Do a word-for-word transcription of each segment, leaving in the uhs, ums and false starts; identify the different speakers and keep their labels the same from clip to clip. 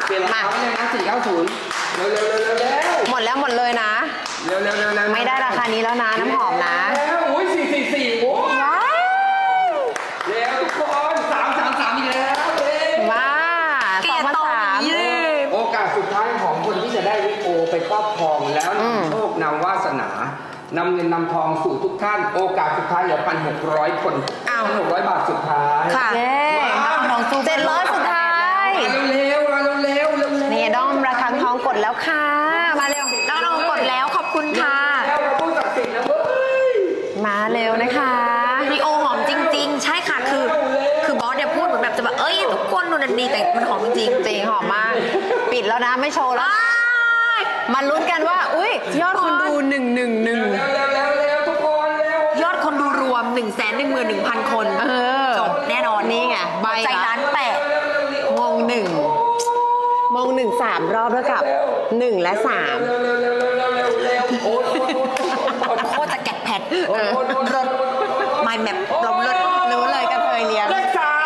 Speaker 1: เปลี่ยนราคาไปเลยนะสี่เก้าศูนย์เร็วเร็วเร็วเร็วเร็ว
Speaker 2: หมดแล้วหมดเลยนะ
Speaker 1: เร็วเร็วเร็วเร็ว
Speaker 2: ไม่ได้ราคานี้แล้วนะน้ำหอมนะ
Speaker 1: แล้วอุ้ยสี่สี่สี่โอ้ย
Speaker 2: ว้าว
Speaker 1: เร็วทุกคนสามสามสามอีกแล้วเร็ว
Speaker 2: ว้าสองพันสาม
Speaker 1: โอกาสสุดท้ายของคนที่จะได้วิโอไปครอบครองแล้ว
Speaker 2: อืม
Speaker 1: นำโชคนำวาสนานำเงินนำทองสู่ทุกท่านโอกาสสุดท้ายเหลือพันหกร้อยคนพันหกร้อยบาทสุดท้าย
Speaker 2: ค่ะเย้เจ็ดร้อยสุดท้าย
Speaker 1: มาเร็วๆมาเร็วๆเร็วๆ
Speaker 2: นี่ด้อมระฆังทองกดแล้วค่ะ มาเร็ว
Speaker 3: น้องๆกดแล้วขอบคุณค่ะ
Speaker 1: แล้วเราพูดศักดิ์สิทธิ์นะเว้ย
Speaker 2: มาเร็วนะคะ
Speaker 3: รีโอหอมจริง ๆ ใช่ค่ะคือ คือบอสเนี่ยพูดเหมือนแบบจะแบบเอ้ยทุกคนดูนันดีแต่มันหอมจริง
Speaker 2: จริงหอมมาก ปิดแล้วนะไม่โชว์
Speaker 3: ๆ
Speaker 2: แล้ว
Speaker 3: อ้าย
Speaker 2: มาลุ้นกันว่า อุ้ยยอดคนดูหนึ่งหนึ่งหนึ่ง
Speaker 1: เร็วเร็วเร็วเร็วทุกคนเร็วย
Speaker 3: อดคนดูรวม 1 1 1 0 0 0 คน
Speaker 2: เออ
Speaker 3: จบแน่นอน
Speaker 2: นี่ไงใบ
Speaker 3: ใจ
Speaker 2: ละ
Speaker 3: ร้านแปด
Speaker 2: มงหนึ่งมงหนึ่งสามรอบแล้วกับหนึ่งและสาม
Speaker 1: เร็วเร็วเร็วเร็วเร็วเร็วเร็วโอ้ยโอ้ยโอ้ย
Speaker 3: โคตรจะแกะแพด
Speaker 1: โอ้ยโอ้ยโอ้ย
Speaker 3: รถไมแมปลมรถ
Speaker 2: รู้เลยกันเคยเรียน
Speaker 1: เลขสาม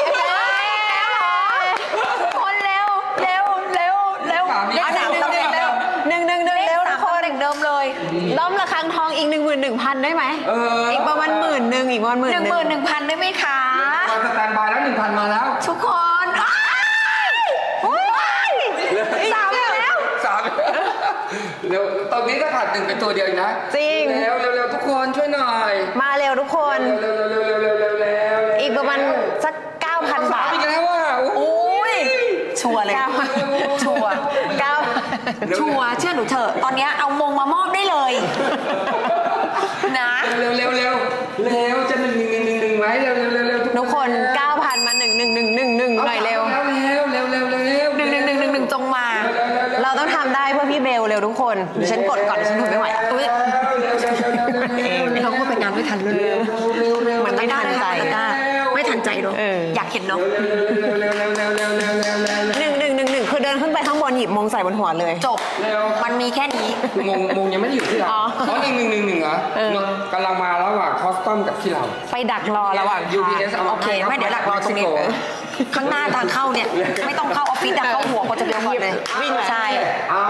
Speaker 3: คนเร็วเร็วเร็วเร็ว
Speaker 1: เลขสาม
Speaker 3: เลขสามต้องเร็ว
Speaker 2: หนึ่งหนึ่งหนึ่ง
Speaker 3: เล
Speaker 2: เร็
Speaker 3: ข
Speaker 2: ว
Speaker 3: สา
Speaker 2: ทุ
Speaker 3: ม
Speaker 2: กคน
Speaker 3: เด็กเดิมเลย
Speaker 2: ล้อมระฆังทองอีกหนึ่งหมื่นหนึ่งพันได้ไหม
Speaker 1: เออ
Speaker 2: อีกประมาณหมื่นหนึ่งอีกประมาณหมื่
Speaker 3: ห
Speaker 2: น
Speaker 3: นึ่ง
Speaker 2: ห
Speaker 3: หมื่
Speaker 2: นึ่ง
Speaker 3: นหนึ่งพันได้ไหมคะ
Speaker 1: มาสแตนบายแล้วหนึ่งพันมาแล้ว
Speaker 3: ทุกคนอ้ายสามแล้ว
Speaker 1: สามเร็วตอนนี้ถ้าขาดหนึ่งเป็นตัวเดียวนะ
Speaker 2: จริง
Speaker 1: เร็วเร็วเร็วทุกคนช่วยหน่อย
Speaker 2: มาเร็วทุกคน
Speaker 1: เร็วเร็วเร็วเร็วเร็วเร็วเร็ว
Speaker 2: อีกประมาณสักเก้าพันบาท
Speaker 1: อีกแล้วว่ะโอ้
Speaker 3: โอ้ยชัวร์เลย
Speaker 2: เก้า
Speaker 3: ชัวร์
Speaker 2: เก้า
Speaker 3: ชัวร์เชื่อหนูเถอะตอนเนี้ยเอามงมามอบได้เลยนะ
Speaker 1: เร็วเร็วเร็วเร็วจะหนึ่งหนึ่งหนึ่งหนึ่งไหมเร็วเร็วเร็วเร็ว
Speaker 2: ทุกคนเก้าพันมาหนึ่งหนึ่งหนึ่งหนึ่งหนึ่งหน่อยเร็ว
Speaker 1: เร็วเร็วเร็วเร็วเร็วเร็ว
Speaker 3: หนึ่งหนึ่งหนึ่งหนึ่งหนึ่งจงมา
Speaker 2: เราต้องทำได้เพื่อพี่เบลเร็วทุกคนดิฉันกดก่อนดิฉันทนไม่ไหวอุ้ย
Speaker 3: เราก็ไปงานไม่ทันเลย
Speaker 2: มันไม่ทันใจ
Speaker 3: ไม่ทันใจเนาะ
Speaker 2: เออ
Speaker 3: อยากเห็นเนาะ
Speaker 2: หนึ่งหนึ่งหนึ่งหนึ่งคือเดินขึ้นไปข้างบนหยิบมงใส่บนหัวเลย
Speaker 3: จบมันมีแค่นี้
Speaker 1: มงมงยังไม่ได้อยู่ที่เรา
Speaker 2: อ๋อ
Speaker 1: อ๋อหนึ่งหนึ่งหนึ่งหนึ่งเหรอ
Speaker 2: เออ
Speaker 1: กำลังมาระหว่างคอสตอมกับที่เรา
Speaker 2: ไปดักรอระหว่าง
Speaker 1: ยู
Speaker 2: ทา
Speaker 1: พี
Speaker 2: ง
Speaker 1: เอสเอา
Speaker 3: โอเคไม่เดี๋ยวหลักรอตรงนี้ข้างหน้าทางเข้าเนี่ย ไม่ต้องเข้าออฟฟิศอะเข้าหัวคนจะเดียวก่อนเลย
Speaker 2: วิ่งเลย
Speaker 3: ใช่
Speaker 1: เอา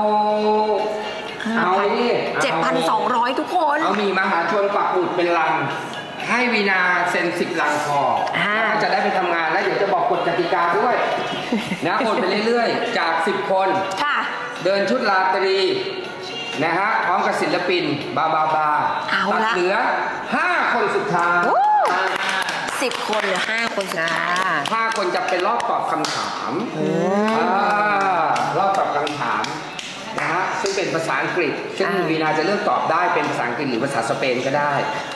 Speaker 1: เอานี่
Speaker 3: เจ็ดพันสองร้อยทุกคน
Speaker 1: เอามีมหาชนปักหมุดเป็นลัง ให้วีนาเซ็นสิบลังพอแล้วก็จะได้ไปทำงานแล้วเดี๋ยวจะบอกกฎกติกาด้วยนะโอนไปเรื่อยๆ จากสิบคน
Speaker 3: ค่ะ
Speaker 1: เดินชุดราตรีนะฮะพร้อมกับศิลปินบาบาบา
Speaker 3: เอา
Speaker 1: ตัด
Speaker 3: ละ
Speaker 1: เหลือห้าคนสุดท้าย
Speaker 3: สิบคนหรือห้าคนสุด
Speaker 2: อ่า
Speaker 3: ท้าย
Speaker 1: ห้าคนจะเป็นรอบตอบคำถามอ่ารอบตอบคำถามนะฮะซึ่งเป็นภาษาอังกฤษ ซึ่ง
Speaker 2: อ่า
Speaker 1: วีนาจะเลือกตอบได้เป็นภาษาอังกฤษหรือภาษาสเปนก็ได้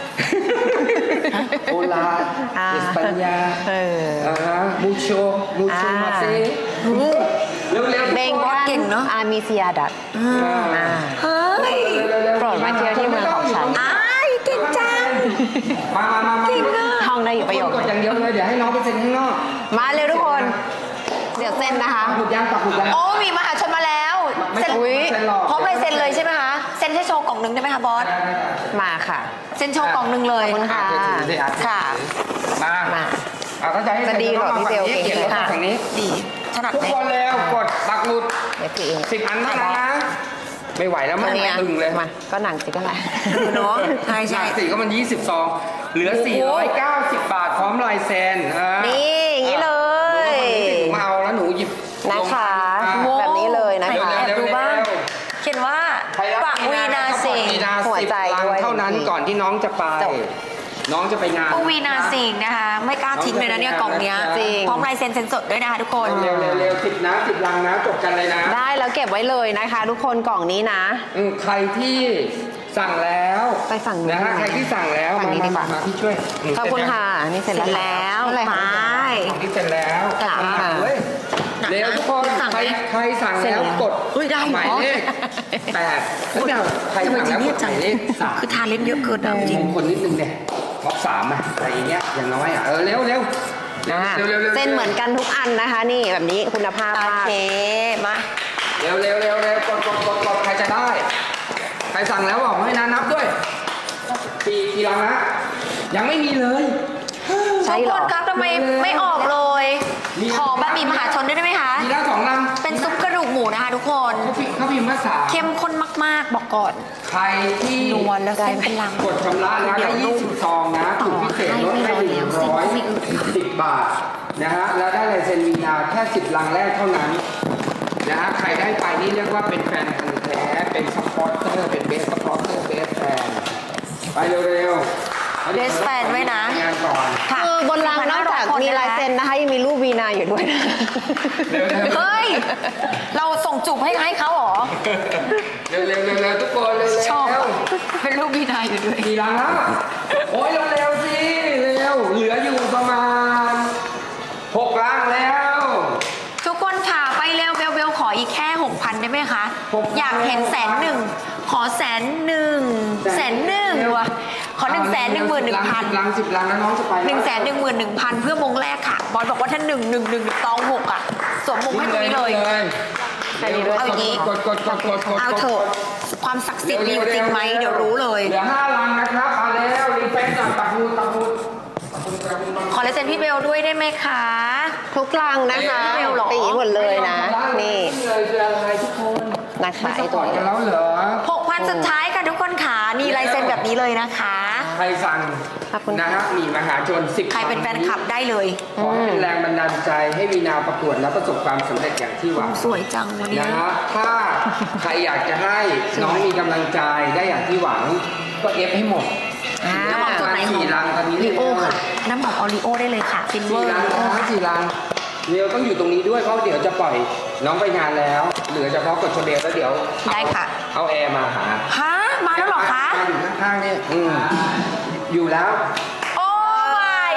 Speaker 1: โอลาเอสปัญญา
Speaker 2: เออ
Speaker 1: อ่าฮะมูโชมูโช
Speaker 2: อ่าม
Speaker 1: มาเซเร็วๆ
Speaker 2: เบง
Speaker 1: ทุกคน
Speaker 3: เก่งเนอะ
Speaker 2: อามิเซียดัต
Speaker 1: อ่า
Speaker 3: เฮ้ย
Speaker 2: โปรดมาเที่ยวที่เมืองของฉัน
Speaker 3: อ้ายเก่งจัง
Speaker 1: มามามามา
Speaker 3: เก่งอะ
Speaker 2: ท่องได้อยู่ประโยค
Speaker 1: กดอย่างเดียวเลยเดี๋ยวให้น้องไปเซ็นข้างนอก
Speaker 2: มาเร็วทุกคน เดี๋ยวเซ็นนะคะ
Speaker 1: ปักหมุดยังปักหมุดยัง
Speaker 3: โอ้มีมหาชนมาแล้ว
Speaker 1: ไม่
Speaker 3: เซ็น
Speaker 1: ต้อง
Speaker 2: อุ๊ย
Speaker 1: เซ็นหรอก
Speaker 3: พร้อมลายเซ็นเลยใช่ไหมคะเซ็นให้โชว์กล่องหนึ่งได้ไหมคะบอส
Speaker 2: มาค่ะ
Speaker 3: เซ็นโชว์กล่องหนึ่งเลย
Speaker 2: ขอบคุณค่ะ
Speaker 1: อ่ถือสิอ่
Speaker 3: ค่ะ
Speaker 1: มา
Speaker 2: มา
Speaker 1: อ่ะถ้าจะให้
Speaker 2: จะดีเหรอพี่เบล
Speaker 1: เขียนแล้ว
Speaker 2: ค่ะ
Speaker 1: ฝั่งนี้
Speaker 3: ดีถนัด
Speaker 1: ทุก
Speaker 3: ไหม
Speaker 1: คนเร็วกดปักหมุด
Speaker 2: เดี๋ยวถือเอง
Speaker 1: สิบอันเท่านั้นนะ ไม่ไหวแล้ว
Speaker 2: ตั
Speaker 1: มั
Speaker 2: วน นี้
Speaker 1: ตึงเลย
Speaker 2: มาก็หนังสิก็ไหน
Speaker 3: คือเนาะใช่
Speaker 1: ห
Speaker 3: ใช่
Speaker 1: นักสี่ก็มันยี่สิบซองเหลือ
Speaker 3: โอ้โห
Speaker 1: สี่ร้อยเก้าสิบบาทพร้อมลายเซ็นอ่า
Speaker 2: นี่อย่างนี้เลย
Speaker 1: หนูมาเอาแล้วหนูหยิบ
Speaker 2: นะคะ
Speaker 1: ลง
Speaker 3: โว้
Speaker 2: แบบนี้เลยนะคะ
Speaker 3: ไหแอบดูบ้างเขียนว่า
Speaker 1: ใครรัก
Speaker 3: ปะวีนาสิง
Speaker 1: วี
Speaker 3: ห์
Speaker 1: นา
Speaker 2: หัว
Speaker 1: สิบ
Speaker 2: ใจ
Speaker 1: ลัง
Speaker 2: ด้วย
Speaker 1: เท่านั้นก่อนที่น้องจะไป
Speaker 2: จบ
Speaker 1: น้องจะไปงาน
Speaker 3: ปะวีนาสิงห์นะคะ ไม่กล้าทิ้งเลยนะเนี่ยกล่องเนี้ย
Speaker 2: จริง
Speaker 3: พร้อมลายเซ็นเซ็นสดด้วยนะคะทุกคน
Speaker 1: เร็วเร็วเร็วสิบนะสิบลังนะจบกันเลยนะ
Speaker 2: ได้แล้วเก็บไว้เลยนะคะ ทุกคนกล่องนี้นะ
Speaker 1: อืมใครที่สั่งแล้ว
Speaker 2: ไปฝั่งนู้น
Speaker 1: นะฮะใครที่สั่งแล้ว
Speaker 2: ฝั่งนี้ดีกว่า
Speaker 1: มาพี่ช่วยม
Speaker 2: ขอบคุณค่ะ นี่เสร็จ
Speaker 3: เสร็จ
Speaker 2: แล้ว
Speaker 3: แล้ว
Speaker 2: เท่าไหร่
Speaker 3: ไป
Speaker 2: คะ
Speaker 1: ของที่เสร็จแล้ว
Speaker 3: ค่ะ
Speaker 1: อ่เฮ้ยเร็วทุกคน
Speaker 3: สั่ง
Speaker 1: ใคร
Speaker 3: ไหม
Speaker 1: ใครสั่งแล้วกด
Speaker 3: เฮ้ยได้เหรอ
Speaker 1: หมายเลขแปดแล้วเดี๋ยวใคร
Speaker 3: ทำไม
Speaker 1: สั่ง
Speaker 3: จริ
Speaker 1: แล้วกดห
Speaker 3: งจัง
Speaker 1: มายเลขสาม
Speaker 3: คือทานเล่นเยอะเกินอะจริง
Speaker 1: มงคลนิดนึงเนี่ยท็อปสามอะอะไรอย่างเงี้ยอย่างน้อยอะเออเร็วเร็ว
Speaker 2: อ่า
Speaker 1: เร็วเร็วเร็ว
Speaker 2: เส้นเหมือนกันทุกอันนะคะ นี่แบบนี้คุณภาพ
Speaker 3: โอ
Speaker 2: มาก
Speaker 3: เคมา
Speaker 1: เร็วเร็วเร็วเร็วกดกดกดกดใครจะได้ ใครสั่งแล้วบอกให้นะนับด้วยกี่กี่ลังนะยังไม่มีเลย
Speaker 2: ใช่
Speaker 3: ทุก
Speaker 2: เหร
Speaker 3: ค
Speaker 2: อ
Speaker 3: นครับทำไมไม่ออกเลย
Speaker 1: มี
Speaker 3: ขอแบบมีมหาชนด้วยได้ไหมคะ
Speaker 1: มีแล้วสองลัง
Speaker 3: คน
Speaker 1: เขาพิมพ์เขาพิมพ์ว่าสาม
Speaker 3: เข้มข้นมากๆ บอกก่อน
Speaker 1: ใครที่
Speaker 3: นวลแล้วเส้นเป็นลัง
Speaker 1: กดชำระนะได้ยี่สิบซองนะถูกพิเศษลดให้หนึ่งร้อยสิบบาทนะฮะแล้วได้ลายเซ็นวีนาแค่สิบลังแรกเท่านั้นนะฮะใครได้ไปนี่เรียกว่าเป็นแฟนพันธุ์แท้เป็นซัพพอร์เตอร์เป็นเบสซัพพอร์เตอร์เบสแฟนไปเร็วๆ
Speaker 3: Best fan ไว้นะ
Speaker 1: งานก่อน
Speaker 3: ค่ะ
Speaker 2: คือบนรางนอกจากมีลายเซ็นนะคะยังมีรูปวีนาอยู่ด้วยนะ
Speaker 1: เร็วๆ
Speaker 3: เฮ้ย เราส่งจูบให้ให้เขาเหรอ
Speaker 1: เร็วๆเร็วๆเร็วๆทุกคนเร็วๆ
Speaker 3: ชอบ
Speaker 1: เร็ว
Speaker 3: เป็นรูปบีนายอยู่ด้วย
Speaker 1: กี่ลังแล้วโอ้ยเร็วๆสิเร็วเหลืออยู่ประมาณหกลังแล้ว
Speaker 3: ทุกคนค่ะไปเร็วเบลเบลขออีกแค่หกพันได้ไหมคะ
Speaker 1: หกพัน
Speaker 3: อยากเห็นแสนหนึ่งขอแสนหนึ่งแสนหนึ่งวะขอหนึ่งแสนหนึ่งหมื่นหนึ่งพัน
Speaker 1: ลังสิบลังแล้วน้องจะไป
Speaker 3: หนึ่งแสนหนึ่งหมื่นหนึ่งพันเพื่อมงแรกค่ะ บอลบอกว่าถ้าหนึ่งหนึ่งหนึ่งตองหกอ่ะสวมมงให้ตรงนี้เลย
Speaker 1: เอาอย่างนี้กดกดกดกดกด
Speaker 3: เอาเถอะความศักดิ์สิทธิ์มีอยู่จริงไหมเดี๋ยวรู้เลย
Speaker 1: เหลือห้าลังนะครับมาแล้วรีเฟซหน่อยตักมูตักมู
Speaker 3: ขอลายเซ็นพี่เบลด้วยได้ไหมคะ
Speaker 2: ทุกลังนะคะ
Speaker 3: ไม่เอาหรอ
Speaker 2: ตีหมดเลยนะ นี่
Speaker 1: เลยคืออะไรทุกคน
Speaker 2: นะคะ
Speaker 1: ไม่
Speaker 2: ไอ้
Speaker 1: สป
Speaker 2: ตั
Speaker 1: อ
Speaker 2: ว
Speaker 1: ร์ต
Speaker 2: นี้
Speaker 1: กันแล้วเหรอ
Speaker 3: หกพันสุดท้ายค่ะทุกคนค่ะนี่ลายเซ็นแบบนี้เลยนะคะ
Speaker 1: ใครสั่ง
Speaker 2: ขอบคุณ
Speaker 1: นะฮะมีมหาชนสิบ
Speaker 3: ใครเป็นแฟนคลับได้เลย
Speaker 1: ขอให้เป็นแรงบันดาลใจให้วีนาประกวดและประสบความสำเร็จอย่างที่หวัง
Speaker 3: สวยจังวันนี้
Speaker 1: นะฮะถ้าใครอยากจะให้น้องมีกำลังใจได้อย่างที่หวังก็เอฟให้หมด
Speaker 2: อ่า
Speaker 3: น้ำหอมตัวไหน
Speaker 1: สี่ลังตอนนี้
Speaker 3: ลีโอค่ะ น้ำหอมออริโอได้เลยค่ะฟินเวอ
Speaker 1: สี่
Speaker 3: ร์
Speaker 1: ลังนะสี่ลังเร็วต้องอยู่ตรงนี้ด้วยเพราะเดี๋ยวจะปล่อยน้องไปงานแล้วเหลือเฉพาะกดชเบลแล้วเดี๋ยว
Speaker 3: ได้ค่ะ
Speaker 1: เอาแอร์มาหา
Speaker 3: ฮะมาแล้วเหรอคะ
Speaker 1: มาอยู่ข้างๆนี่อืมอยู่แล้ว
Speaker 3: โอ้ my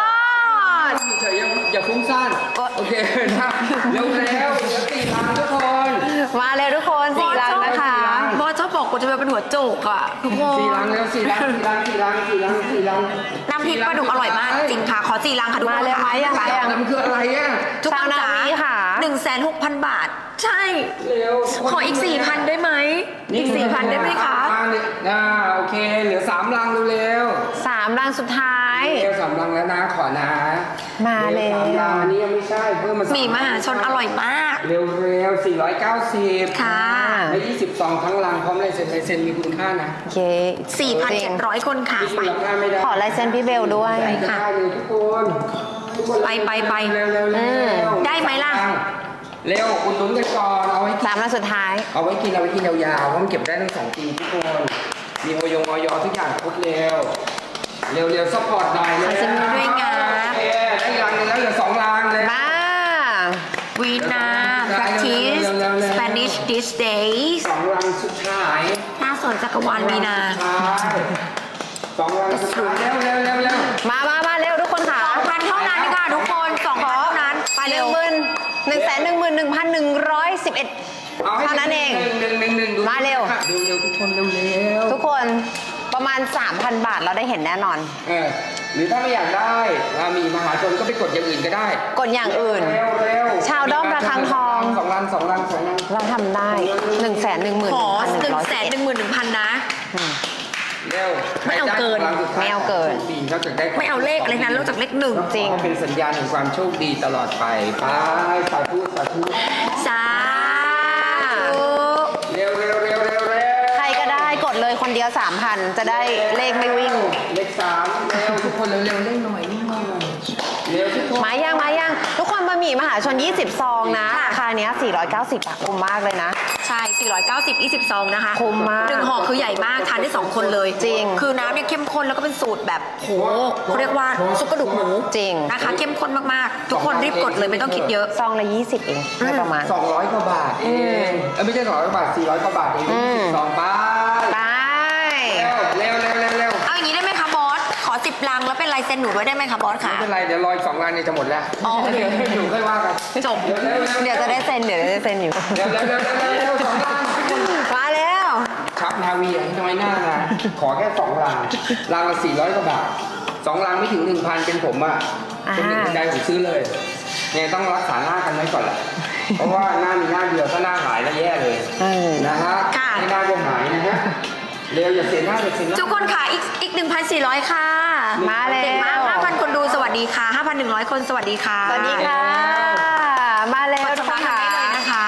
Speaker 3: god
Speaker 1: เฉยๆอย่าอย่าฟุ้งซ่านโอเคนะเร็วๆเหลือสี่ลังทุกคน
Speaker 2: มาเลยทุกคนสี่ลังนะคะ
Speaker 3: บอสชอบบอกกูจะเป็นหัวโจกอ่ะทุกคน
Speaker 1: สี่ลังแล้วสี่ลังสี่ลังสี่ลังสี่ลังสี่ลัง
Speaker 3: น้ำพริกปลาดุกอร่อยมากจริงค่ะ ขอสี่ลังค่ะทุกคน
Speaker 2: มาเลยไหมยังไง
Speaker 1: แล้วมันคืออะไรอ่ะ
Speaker 3: ทุกคน
Speaker 2: ชาวนา
Speaker 3: จ๋า
Speaker 2: วีค่ะ
Speaker 3: หนึ่งแสนหกพันบาท ใช่
Speaker 1: เร็ว
Speaker 3: ขออีกสี่พันได้ไหม อีกสี่พันได้ไหมคะ
Speaker 1: อ่าโอเค เหลือสามลังเร็ว
Speaker 2: สามลังสุดท้าย
Speaker 1: ๆเร็วสามลังแล้วนะขอนะ
Speaker 2: มาแล้ว
Speaker 1: สามลังอันนี้ยังไม่ใช่เพิ่มมา
Speaker 3: หมี่มหาชนอร่อยมาก
Speaker 1: เร็วเร็วสี่ร้อยเก้าสิบ
Speaker 3: ค่ะ
Speaker 1: และยี่สิบซองทั้งลังพร้อมลายเซ็นลายเซ็นมีคุณค่านะ
Speaker 2: โอเค
Speaker 3: สี่พันเจ็ดร้อยคนค่ะ
Speaker 1: ที่
Speaker 3: ไป
Speaker 1: คุณค่าไม่ได้
Speaker 2: ขอลายเซ็นพี่เบลด้วย
Speaker 3: ไปค่ะ
Speaker 1: ได้เลยทุกคนทุกคน
Speaker 3: ไปไปไป
Speaker 1: เร็วเร็วเร็วเร็ว
Speaker 3: ได้ไหมล่ะ
Speaker 1: เร็วอุดหนุนกันก่อนเอาไว้กิน
Speaker 2: สามลังสุดท้าย
Speaker 1: เอาไว้กินเอาไว้กินยาวๆเพราะมันเก็บได้ทั้งสองปีทุกคน มีโอยงออยทุกอย่างครบเร็ว เร็วเร็วซัพพอร์ตหน่อย
Speaker 3: ขอเซ็นด้วยงา
Speaker 1: โอเคได้รังหนึงแล้วเหลือสองรังเลย
Speaker 2: มา
Speaker 3: วีนา practice Spanish these days
Speaker 1: สองรังสุดท้าย
Speaker 3: หน้าสวนจักรวาลวีนา
Speaker 1: สองรังสุดท้ายเร็วเร็วเร็วเร็ว
Speaker 2: มามามาเร็วทุกคนค่ะ
Speaker 3: สองพันเท่านั้นค่ะทุกคนสองพันเท่านั้นไป
Speaker 2: ห
Speaker 3: เร็
Speaker 2: นึ่
Speaker 3: ว
Speaker 2: งหมื่นหนึ่งแสนหนึ่งหมื่นหนึ่งพันหนึ่งร้อยสิบเอ็ด
Speaker 1: เอาให้
Speaker 2: เท่านั้นเอง
Speaker 1: หนึ่งหนึ่งหนึ่งหนึ่ง
Speaker 2: มาเร็ว
Speaker 1: เร็วเร็วทุกคนเร็วเร็ว
Speaker 2: ทุกคนประมาณ สามพัน บาทเราได้เห็นแน่นอน
Speaker 1: เออหรือถ้าไม่อยากได้อ่ามีมหาชนก็ไปกดอย่างอื่นก็ได้
Speaker 2: กดอย่างอื่น
Speaker 1: เร็วเร็ว
Speaker 2: ชาวด้อมระฆังทอง
Speaker 1: สองรังสองรังสองรัง
Speaker 2: เราทำได้หนึ่งแสนหนึ่งหมื่น
Speaker 3: ขอ
Speaker 2: พันห
Speaker 3: ห
Speaker 2: นึ่
Speaker 3: นึ่
Speaker 2: ง
Speaker 3: ง
Speaker 2: ร้อย
Speaker 3: แส
Speaker 2: สิบ
Speaker 3: น
Speaker 2: เอ็ด
Speaker 3: หนึ่งหมื่นหนึ่งพันนะ
Speaker 1: เร็ว
Speaker 3: ไม่เอาเกิน
Speaker 1: ใครได้สงรังสุดท้ย
Speaker 2: ไม่เอาเกิน
Speaker 1: โชคดีเขาจะได้
Speaker 3: ไม่เอาเลขอะไรนั้นนอกจากเลขหนึ่ง
Speaker 2: จริง
Speaker 1: เป็นสัญญาณแห่งความโชคดีตลอดไปไปสาธุสาธุ
Speaker 3: สาธุ
Speaker 1: เร็วเร็วเร็วเร็วเร็ว
Speaker 2: ใครก็ได้กดเลยคนเดียว สามพัน จะได้เลขไม่วิ่ง
Speaker 1: เลขสามเร็วทุกคนเร็วเร็วเร่งหน่อยเร่งหน่อยเร็วทุกคน
Speaker 2: มายังมายังทุกคนบะหมี่มหาชน ยี่สิบ ซองนะราคาเนี้ยสี่ร้อยเก้าสิบอะคุ้มมากเลยนะ
Speaker 3: ใช่สี่ร้อยเก้าสิบ ยี่สิบซองนะคะ
Speaker 2: คุ้มมาก
Speaker 3: หนึ่งห่อคือใหญ่มากทานได้สองคนเลย
Speaker 2: จริง
Speaker 3: คือน้ำเนี่ยเข้มข้นแล้วก็เป็นสูตรแบบโหเขาเรียกว่าซุปกระดูกหมู
Speaker 2: จริง
Speaker 3: นะคะเข้มข้นมากๆ ทุกคนรีบกดเลยไม่ต้องคิดเยอะ
Speaker 2: ซองละยี่สิบเองไม่ประมาณ
Speaker 1: สองร้อยกว่าบาทเองเออไม่ใช่สองร้อยกว่าบาทสี่ร้อยกว่าบาทเอง
Speaker 2: อืม
Speaker 1: สองบาท
Speaker 2: ไป
Speaker 1: เร็วเร็วเร็วเร็วเร็ว
Speaker 3: เอาอย่างนี้ได้ไหมคะบอส ขอสิบลังแล้วเป็นลายเซ็นหนูด้วยได้ไหมคะบอส
Speaker 1: ไม่
Speaker 3: ค่ะ
Speaker 1: เป็นไรเดี๋ยวรออีกสองรังเนี่ยจะหมดแล้ว
Speaker 3: อ๋อโอเค
Speaker 1: หนูค่อยว่ากัน
Speaker 3: จบ
Speaker 1: เร็วเร็วเร็ว
Speaker 2: เดี๋ยวจะได้เซ็นเดี๋ยวจะได้เซ็นอยู่
Speaker 1: เร็วเร็วเร็วเร็วเร็วสองรัง
Speaker 2: มาแล้ว
Speaker 1: ครับนาวีให้น้อยหน้านะขอแค่สองรังรังละสี่ร้อยกว่าบาทสองรังไม่ถึงหนึ่งพันเป็นผมอ่ะเป็นหนึ่งใจผมซื้อเลยเนี่ยต้องรักษาหน้ากันไว้ก่อนแหละเพราะว่าหน้ามีหน้าเดียวถ้าหน้าหายแล้วแย่เลย
Speaker 2: เออ
Speaker 1: นะฮะ
Speaker 3: ค่ะ
Speaker 1: ให้หน้าก็หายนะฮะเร็วอย่าเสียหน้าอย่าเสียหน้า
Speaker 3: ทุกคนค่ะอีกอีกหนึ่งพันสี่ร้อยค่ะ
Speaker 2: มาแล้ว
Speaker 3: เก่งมากห้าพันคนดูสวัสดีค่ะห้าพันหนึ่งร้อยคนสวัสดีค่ะ
Speaker 2: สวัสดีค่ะ มาแล้ว
Speaker 3: กด
Speaker 2: ทุก
Speaker 3: ชำ
Speaker 2: ค
Speaker 3: ระ
Speaker 2: น
Speaker 3: กัน
Speaker 2: ค่ะ
Speaker 3: ได้เลยนะคะ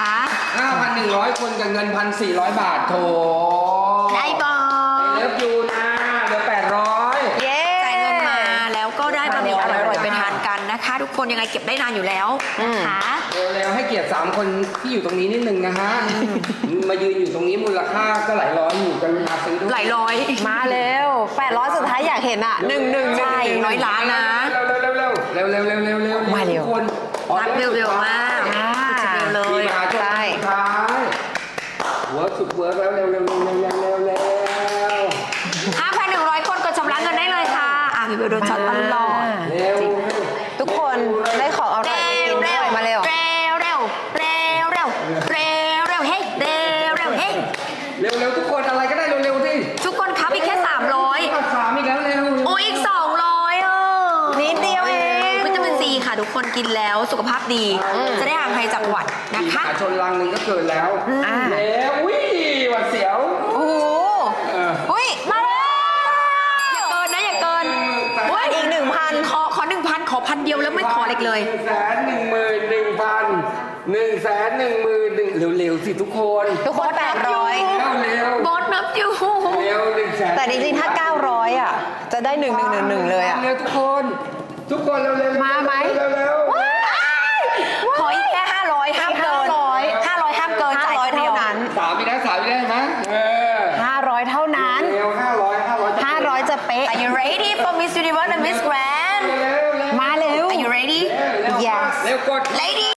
Speaker 1: ห้าพันหนึ่งร้อยคนกับเงินพันสี่ร้อยบาทโถ
Speaker 3: ได้บอ
Speaker 1: เลิฟยูนะเหลือแปดร้อย
Speaker 2: เย้
Speaker 3: จ่ายเงินมาแล้วก็ได้บะหมี่อร่อยๆไปทานกันนะคะ ทุกคนยังไงเก็บได้นานอยู่แล้วนะคะ
Speaker 1: เร็วๆให้เกียรติสามคนที่อยู่ตรงนี้นิดนึงนะฮะ มายืนอยู่ตรงนี้มูลค่าก็หลายร้อยอยู่กันมาซื้อด้วย
Speaker 3: หลายร้อย
Speaker 2: มาเร็วแปดร้อยสุดท้ายอยากเห็นอ่ะหนึ่งหนึ่งหนึ่ง
Speaker 3: ใช่
Speaker 2: หนึ่ง
Speaker 3: ร้อยล้านนะ
Speaker 1: เร็วๆเร็วๆเร็วๆเร็วๆเร็วๆเร็วๆเร็วๆเร็วๆ
Speaker 2: มาเร็ว
Speaker 1: ทุกคน
Speaker 3: นับเร็วๆมาก
Speaker 2: อ่า
Speaker 3: สุดเร็วเล
Speaker 1: มี
Speaker 3: ย
Speaker 1: มาจน
Speaker 2: ใช่
Speaker 1: สุดท้ายเวิร์กสุดเวิร์กแล้วเร็วๆเร็วๆเร็วๆเร็วๆเร็วๆเร็ว
Speaker 3: ห้าพันหนึ่งร้อยคนกดชำระเงินได้เลยค่ะ อ่ะพี่เบลโดนช็อตตลอด
Speaker 1: ๆเร็ว
Speaker 2: ทุกคนได้ของอร่อยไปกินด้วยมาเร็ว
Speaker 3: เร็วเร็วเร็วเร็วเร็วเร็วเฮ้ยเร็วเร็วเฮ้ย
Speaker 1: เร็วเร็วๆทุกคนอะไรก็ได้เร็วๆสิ
Speaker 3: ทุกคนครับอีกแค่สามร้อย
Speaker 1: ก็สามอีกแล้วเร็ว
Speaker 3: โอ้ยอีกสองร้อยอ่ะ
Speaker 2: นิดเดียวเอง
Speaker 3: วิตามินซีค่ะทุกคนกินแล้วสุขภาพดี จะได้ห่างไกลจากหวัดนะคะ
Speaker 1: ขาชนลังหนึ่งก็เกินแล้ว
Speaker 2: อ่า
Speaker 1: แล้วอุ้ยหวัดเสียว
Speaker 2: โอ้โห
Speaker 1: เออ
Speaker 3: อุ้ยมาแล้วอย่าเกินนะอย่าเกิน
Speaker 2: เฮ้ยอีกหนึ่งพัน
Speaker 3: ขอขอหนึ่งพันขอพันเดียวแล้วไม่ขอเล็กเลย
Speaker 1: หนึ่งแสนหนึ่งหมื่นหนึ่งพันหนึ่งแสนหนึ่งหมื่นหนึ่งเร็วๆสิทุกคน
Speaker 2: ทุกคนแปดร้อย
Speaker 1: เร็วเร็ว
Speaker 3: บอสนับอยู่
Speaker 1: เร็วหนึ่งแสน
Speaker 2: แต่จริงๆถ้าเก้าร้อยอ่ะ จะได้หนึ่งหนึ่งหนึ่งหนึ่งเลยอ่ะ
Speaker 1: เร็วทุกคน ทุกคนเร็วเร็ว
Speaker 2: มาไหม
Speaker 1: เร็วเร็ว
Speaker 3: ขออีกแค่ห้าร้อยห้ามเกิน
Speaker 2: ห้าร้อย
Speaker 3: ห้าร้อยห้ามเกินจ่ายคนเดียว
Speaker 2: เท่านั้น
Speaker 1: สามอีกแล้วสามอีกแล้วเห็นไหมเออ
Speaker 2: ห้าร้อยเท่านั้น
Speaker 1: เร็วห้าร้อยห้าร้อย
Speaker 2: ห้าร้อยจะเป๊ะ
Speaker 3: Are you ready for Miss Universe and Miss Grand
Speaker 1: เร็วเร็ว
Speaker 2: มาเร็ว
Speaker 3: Are you ready
Speaker 1: เร็ว
Speaker 2: Yes
Speaker 1: เร็วกด
Speaker 3: Lady